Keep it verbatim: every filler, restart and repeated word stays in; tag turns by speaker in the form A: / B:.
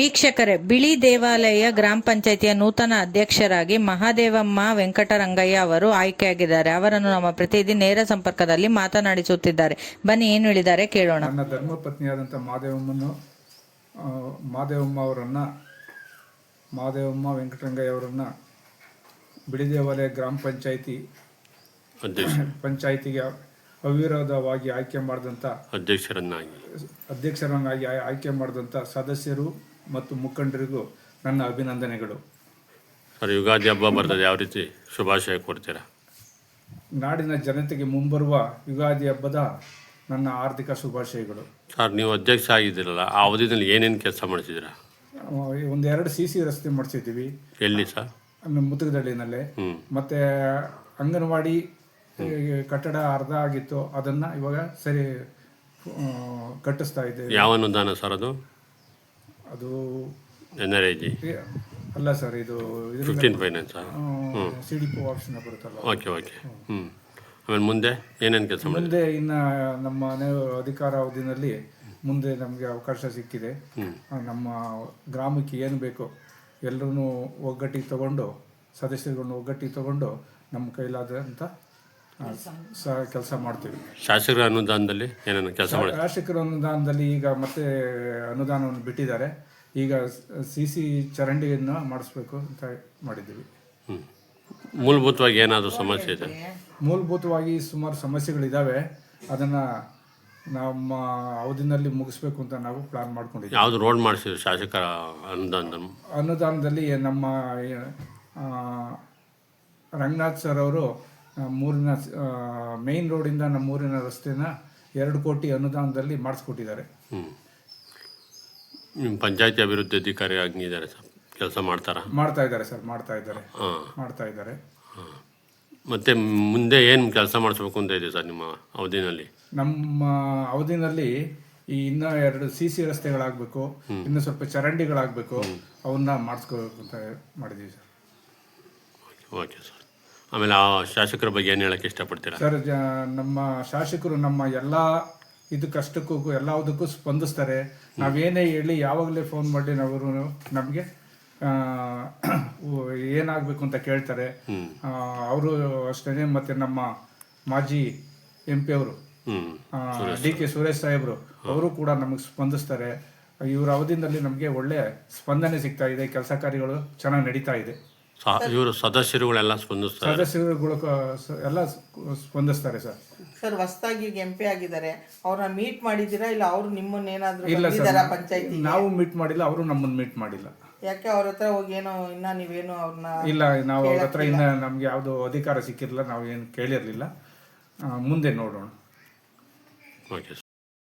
A: ವೀಕ್ಷಕರೇ, ಬಿಳಿ ದೇವಾಲಯ ಗ್ರಾಮ ಪಂಚಾಯಿತಿಯ ನೂತನ ಅಧ್ಯಕ್ಷರಾಗಿ ಮಹಾದೇವಮ್ಮ ವೆಂಕಟರಂಗಯ್ಯ ಅವರು ಆಯ್ಕೆಯಾಗಿದ್ದಾರೆ. ಅವರನ್ನು ನಮ್ಮ ಪ್ರತಿನಿಧಿ ನೇರ ಸಂಪರ್ಕದಲ್ಲಿ ಮಾತನಾಡಿಸುತ್ತಿದ್ದಾರೆ. ಬನ್ನಿ, ಏನು ಹೇಳಿದ್ದಾರೆ ಕೇಳೋಣ.
B: ನನ್ನ ಧರ್ಮಪತ್ನಿಯಾದಂಥ ಮಹಾದೇವಮ್ಮನ್ನು ಮಹಾದೇವಮ್ಮ ಅವರನ್ನು ಮಹಾದೇವಮ್ಮ ವೆಂಕಟರಂಗಯ್ಯ ಅವರನ್ನು ಬಿಳಿ ದೇವಾಲಯ ಗ್ರಾಮ ಪಂಚಾಯಿತಿ ಪಂಚಾಯಿತಿಗೆ ಅವಿರೋಧವಾಗಿ ಆಯ್ಕೆ ಮಾಡಿದಂಥ
C: ಅಧ್ಯಕ್ಷರನ್ನಾಗಿ
B: ಅಧ್ಯಕ್ಷರನ್ನಾಗಿ ಆಯ್ಕೆ ಮಾಡಿದಂಥ ಸದಸ್ಯರು ಮತ್ತು ಮುಖಂಡರಿಗೂ ನನ್ನ ಅಭಿನಂದನೆಗಳು.
C: ಸರ್, ಯುಗಾದಿ ಹಬ್ಬ ಬರ್ತದೆ, ಯಾವ ರೀತಿ ಶುಭಾಶಯ ಕೊಡ್ತೀರಾ?
B: ನಾಡಿನ ಜನತೆಗೆ ಮುಂಬರುವ ಯುಗಾದಿ ಹಬ್ಬದ ನನ್ನ ಆರ್ಥಿಕ ಶುಭಾಶಯಗಳು.
C: ಸರ್, ನೀವು ಅಧ್ಯಕ್ಷ ಆಗಿದ್ದೀರಲ್ಲ, ಆ ಅವಧಿಯಲ್ಲಿ ಏನೇನು ಕೆಲಸ ಮಾಡಿಸಿದ್ದೀರಾ?
B: ಒಂದೆರಡು ಸಿ ಸಿ ರಸ್ತೆ ಮಾಡಿಸಿದ್ದೀವಿ.
C: ಎಲ್ಲಿ ಸರ್?
B: ನಮ್ಮ ಮುತುಗದಳ್ಳಿನಲ್ಲೇ. ಮತ್ತು ಅಂಗನವಾಡಿ ಕಟ್ಟಡ ಅರ್ಧ ಆಗಿತ್ತು, ಅದನ್ನು ಇವಾಗ ಸರಿ ಕಟ್ಟಿಸ್ತಾ ಇದ್ದೇವೆ.
C: ಯಾವ ಅನುದಾನ ಸರ್ ಅದು?
B: ಅದು
C: ಎನ್ ಆರ್ ಐ ಜಿ
B: ಅಲ್ಲ ಸರ್, ಇದು
C: fifteen finance
B: C D P option ಬರುತ್ತಲ್ಲ.
C: ಓಕೆ ಓಕೆ ಹ್ಞೂ ಆಮೇಲೆ ಮುಂದೆ ಏನೇನು ಕೆಲಸ ಮಾಡಿ?
B: ಮುಂದೆ ಇನ್ನು ನಮ್ಮ ಮನೆ ಅಧಿಕಾರ ಅವಧಿನಲ್ಲಿ ಮುಂದೆ ನಮಗೆ ಅವಕಾಶ ಸಿಕ್ಕಿದೆ. ನಮ್ಮ ಗ್ರಾಮಕ್ಕೆ ಏನು ಬೇಕೋ ಎಲ್ಲರೂ ಒಗ್ಗಟ್ಟಿಗೆ ತಗೊಂಡು, ಸದಸ್ಯರುಗಳನ್ನ ಒಗ್ಗಟ್ಟಿಗೆ ತಗೊಂಡು ನಮ್ಮ ಕೈಲಾದಂಥ ಸಹ ಕೆಲಸ ಮಾಡ್ತೀವಿ.
C: ಶಾಸಕರ ಅನುದಾನದಲ್ಲಿ ಏನೇನು ಕೆಲಸ ಮಾಡಿ?
B: ಶಾಸಕರ ಅನುದಾನದಲ್ಲಿ ಈಗ ಮತ್ತೆ ಅನುದಾನವನ್ನು ಬಿಟ್ಟಿದ್ದಾರೆ. ಈಗ ಸಿ ಸಿ ಚರಂಡಿಯನ್ನು ಮಾಡಿಸ್ಬೇಕು ಅಂತ ಮಾಡಿದ್ದೀವಿ.
C: ಹ್ಞೂ ಮೂಲಭೂತವಾಗಿ ಏನಾದರೂ ಸಮಸ್ಯೆ ಇದೆ?
B: ಮೂಲಭೂತವಾಗಿ ಸುಮಾರು ಸಮಸ್ಯೆಗಳಿದ್ದಾವೆ. ಅದನ್ನು ನಮ್ಮ ಅವಧಿನಲ್ಲಿ ಮುಗಿಸ್ಬೇಕು ಅಂತ ನಾವು ಪ್ಲಾನ್ ಮಾಡ್ಕೊಂಡಿದ್ದೀವಿ.
C: ಯಾವುದು ರೋಡ್ ಮಾಡಿಸಿದ್ರು ಶಾಸಕರ ಅನುದಾನ?
B: ಅನುದಾನದಲ್ಲಿ ನಮ್ಮ ರಂಗನಾಥ್ ಸರ್ ಅವರು ಮೂರಿನ ಮೇನ್ ರೋಡಿಂದ ನಮ್ಮ ಊರಿನ ರಸ್ತೆನ ಎರಡು ಕೋಟಿ ಅನುದಾನದಲ್ಲಿ ಮಾಡಿಸ್ಕೊಟ್ಟಿದ್ದಾರೆ.
C: ಹ್ಞೂ ನಿಮ್ಮ ಪಂಚಾಯತಿ ಅಭಿವೃದ್ಧಿ ಅಧಿಕಾರಿ ಆಗಿದ್ದಾರೆ ಸರ್, ಕೆಲಸ ಮಾಡ್ತಾರಾ?
B: ಮಾಡ್ತಾ ಇದ್ದಾರೆ ಸರ್, ಮಾಡ್ತಾ ಇದ್ದಾರೆ
C: ಹಾಂ
B: ಮಾಡ್ತಾ ಇದ್ದಾರೆ
C: ಹಾಂ ಮತ್ತು ಮುಂದೆ ಏನು ಕೆಲಸ ಮಾಡಿಸ್ಬೇಕು ಅಂತ ಇದೆ ಸರ್ ನಿಮ್ಮ ಅವಧಿನಲ್ಲಿ?
B: ನಮ್ಮ ಅವಧಿನಲ್ಲಿ ಈ ಇನ್ನೂ ಎರಡು ಸಿ ಸಿ ರಸ್ತೆಗಳಾಗಬೇಕು, ಇನ್ನೂ ಸ್ವಲ್ಪ ಚರಂಡಿಗಳಾಗಬೇಕು, ಅವನ್ನ ಮಾಡಿಸ್ಕೋಬೇಕು ಅಂತ ಮಾಡಿದ್ದೀವಿ ಸರ್.
C: Okay sir. ಆಮೇಲೆ ಆ ಶಾಸಕರ ಬಗ್ಗೆ ಏನು ಹೇಳೋಕ್ಕೆ ಇಷ್ಟಪಡ್ತೀರಾ?
B: ಸರ್, ಜ ನಮ್ಮ ಶಾಸಕರು ನಮ್ಮ ಎಲ್ಲ ಇದು ಕಷ್ಟಕ್ಕೂ ಎಲ್ಲದಕ್ಕೂ ಸ್ಪಂದಿಸ್ತಾರೆ. ನಾವೇನೇ ಹೇಳಿ ಯಾವಾಗಲೇ ಫೋನ್ ಮಾಡಿ ಅವರು ನಮಗೆ ಏನಾಗಬೇಕು ಅಂತ ಕೇಳ್ತಾರೆ. ಅವರು ಅಷ್ಟೇ. ಮತ್ತು ನಮ್ಮ ಮಾಜಿ ಎಂ ಪಿ ಅವರು ಡಿ ಕೆ ಸುರೇಶ್ ಸಾಹೇಬರು ಅವರು ಕೂಡ ನಮಗೆ ಸ್ಪಂದಿಸ್ತಾರೆ. ಇವರ ಅವಧಿನಲ್ಲಿ ನಮಗೆ ಒಳ್ಳೆ ಸ್ಪಂದನೆ ಸಿಗ್ತಾ ಇದೆ. ಕೆಲಸ ಕಾರ್ಯಗಳು ಚೆನ್ನಾಗಿ ನಡೀತಾ ಇದೆ.
C: ಇವರು ಸದಸ್ಯರುಗಳೆಲ್ಲ ಸ್ಪಂದಿಸ್ತಾರೆ?
B: ಸದಸ್ಯರುಗಳು ಎಲ್ಲ ಸ್ಪಂದಿಸ್ತಾರೆ ಸರ್.
D: ಸರ್, ಹೊಸದಾಗಿ ಎಂ ಪಿ ಆಗಿದ್ದಾರೆ, ಅವ್ರನ್ನ ಮೀಟ್ ಮಾಡಿದ್ದೀರಾ ಇಲ್ಲ ಅವ್ರು ನಿಮ್ಮನ್ನೇನಾದ್ರೂ?
B: ಇಲ್ಲ ಸರ್,
D: ಪಂಚಾಯತಿ
B: ನಾವು ಮೀಟ್ ಮಾಡಿಲ್ಲ, ಅವರು ನಮ್ಮನ್ನು ಮೀಟ್ ಮಾಡಿಲ್ಲ.
D: ಯಾಕೆ ಅವ್ರ ಹತ್ರ ಹೋಗಿ ಏನೋ ಇನ್ನ ನೀವೇನು ಅವ್ರನ್ನ?
B: ಇಲ್ಲ, ನಾವು ಅವ್ರ ಹತ್ರ ಇನ್ನ ನಮ್ಗೆ ಯಾವುದು ಅಧಿಕಾರ ಸಿಕ್ಕಿರಲಿಲ್ಲ, ನಾವು ಏನು ಕೇಳಿರ್ಲಿಲ್ಲ. ಮುಂದೆ ನೋಡೋಣ.
C: ಓಕೆ.